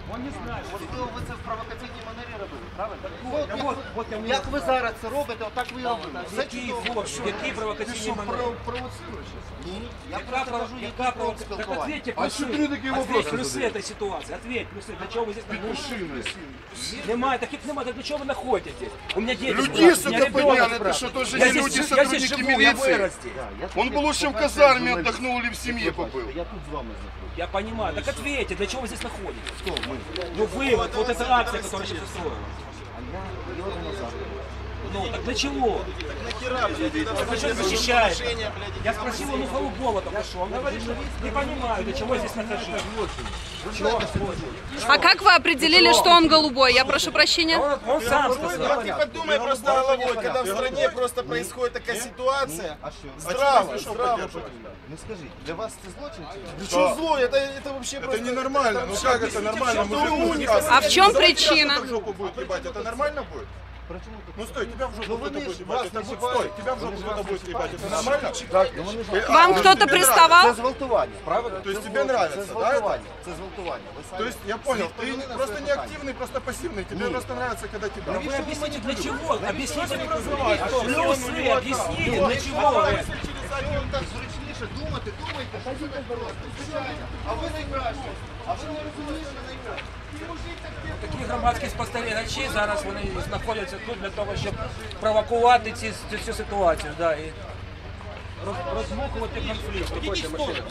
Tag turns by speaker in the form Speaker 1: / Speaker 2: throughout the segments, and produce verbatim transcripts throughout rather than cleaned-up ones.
Speaker 1: Он не знає.
Speaker 2: Можливо, ви це в провокаційній манері робили, правильно?
Speaker 1: Так от, от я
Speaker 2: Як ви зараз це робите, отак ви і робите. Все
Speaker 1: Які
Speaker 2: чудово.
Speaker 1: хлопці, які провокаційні манери?
Speaker 2: Ні, я
Speaker 1: Яка
Speaker 2: просто кажу,
Speaker 1: провокація?
Speaker 2: який
Speaker 1: Яка
Speaker 2: крок
Speaker 1: провокація? Так
Speaker 2: спілкування.
Speaker 1: ответьте,
Speaker 3: А
Speaker 1: плюси.
Speaker 3: що ти такі
Speaker 1: Ответь,
Speaker 3: вопроси
Speaker 1: плюси
Speaker 3: задаєш?
Speaker 1: этой ситуации. Ответь, плюсы. Для чего вы здесь
Speaker 3: Мужчины.
Speaker 1: находитесь? Немає, таких немає. Так для чого ви знаходитесь здесь? У меня дети
Speaker 3: Люди,
Speaker 1: спрашивают,
Speaker 3: сука,
Speaker 1: у меня ребенок
Speaker 3: понятно, это
Speaker 1: спрашивает.
Speaker 3: что, тоже
Speaker 1: Я
Speaker 3: не
Speaker 1: здесь
Speaker 3: люди,
Speaker 1: жив- я
Speaker 3: сотрудники
Speaker 1: здесь живу, я
Speaker 3: милиции.
Speaker 1: вырос здесь.
Speaker 3: Он бы лучше в казарме отдохнул или в семье побыл.
Speaker 2: Я тут з вами знаходжусь.
Speaker 1: Я понимаю. Так ответьте, для чего вы здесь находитесь?
Speaker 2: Хто ми?
Speaker 1: Ну вы, вот, вот эта акция, которая сейчас устроена.
Speaker 2: А я їду назад.
Speaker 1: Ну, так для чего? Так зачем защищаете? Я спросил, ну голубого только что. Он говорит, что не понимаю, для чего я здесь нахожусь. Чего?
Speaker 4: А как вы определили, что он голубой? Я прошу прощения.
Speaker 1: Он, он сам сказал.
Speaker 5: Ты подумай просто головой, когда в стране просто происходит такая ситуация.
Speaker 2: А що?
Speaker 5: Здраво, здраво.
Speaker 2: Ну скажіть, для вас це злочин чи ні?
Speaker 5: Ну что зло, это, это вообще
Speaker 3: Это
Speaker 5: просто...
Speaker 3: ненормально. Ну как это нормально? Мужику сказано.
Speaker 4: А в чем причина?
Speaker 3: В жопу будет ебать. Это нормально будет?
Speaker 2: Причому тут?
Speaker 3: Ну стой, тебя в жопу
Speaker 2: Ну,
Speaker 3: кто-то
Speaker 2: вони
Speaker 3: будет
Speaker 2: ж
Speaker 3: ебать.
Speaker 2: вас
Speaker 3: Это
Speaker 2: не
Speaker 3: будет,
Speaker 2: чіпають.
Speaker 3: стой, тебя в жопу
Speaker 2: Вони ж
Speaker 3: кто-то
Speaker 2: вас
Speaker 3: будет
Speaker 2: не
Speaker 3: ебать.
Speaker 2: чіпають.
Speaker 3: Это нормально?
Speaker 2: Ну, вони ж-
Speaker 3: А,
Speaker 4: Вам
Speaker 3: ну,
Speaker 4: кто-то
Speaker 3: тебе
Speaker 2: Це
Speaker 4: приставал?
Speaker 2: зґвалтування.
Speaker 1: Правильно?
Speaker 3: То есть
Speaker 2: Це
Speaker 3: тебе
Speaker 2: зґвал-
Speaker 3: нравится,
Speaker 2: Це
Speaker 3: да,
Speaker 2: зґвалтування. Це зґвалтування. Ви самі-
Speaker 3: То есть я понял,
Speaker 2: всі
Speaker 3: ты
Speaker 2: відповіли на
Speaker 3: просто
Speaker 2: своє
Speaker 3: не
Speaker 2: питання.
Speaker 3: активный, просто пассивный. Тебе просто нравится, когда тебя.
Speaker 1: Вы объясните, для чего? Объясните,
Speaker 3: образование?
Speaker 1: плюсы, объясните, для чего вы?
Speaker 2: Якщо вам так зручніше думати, думайте, що це так просто. Звичайно. А ви найкраще. А ви не розумієте, що найкраще.
Speaker 1: Такі громадські спостерігачі зараз вони знаходяться тут для того, щоб провокувати ці, цю, цю ситуацію, да, і роз, роздмухувати конфлікт. Виходьте, машина.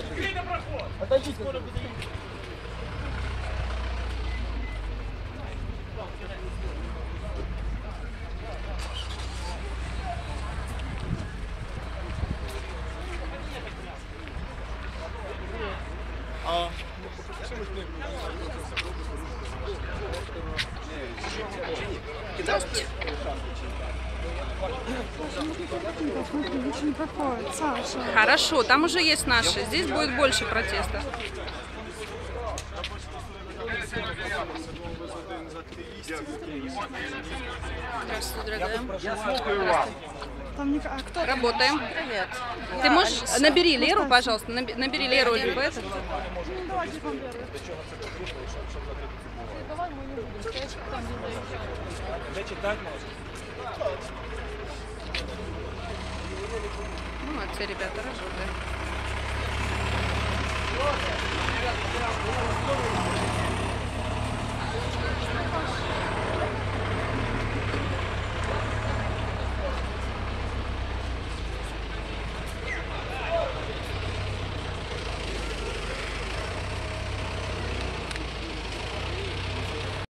Speaker 6: Очень проходит, Саша.
Speaker 4: Хорошо, там уже есть наши. Здесь будет больше протеста. Здравствуйте, дорогая.
Speaker 6: Там не... А кто?
Speaker 4: Работаем. Ты можешь... Набери Леру, пожалуйста. наби- Набери Леру, либо этот.
Speaker 6: Ну, давайте вам верю. Давай мы не будем сказать, что там не даем.
Speaker 1: Де читати можна?
Speaker 4: Молодцы, ребята, работаем.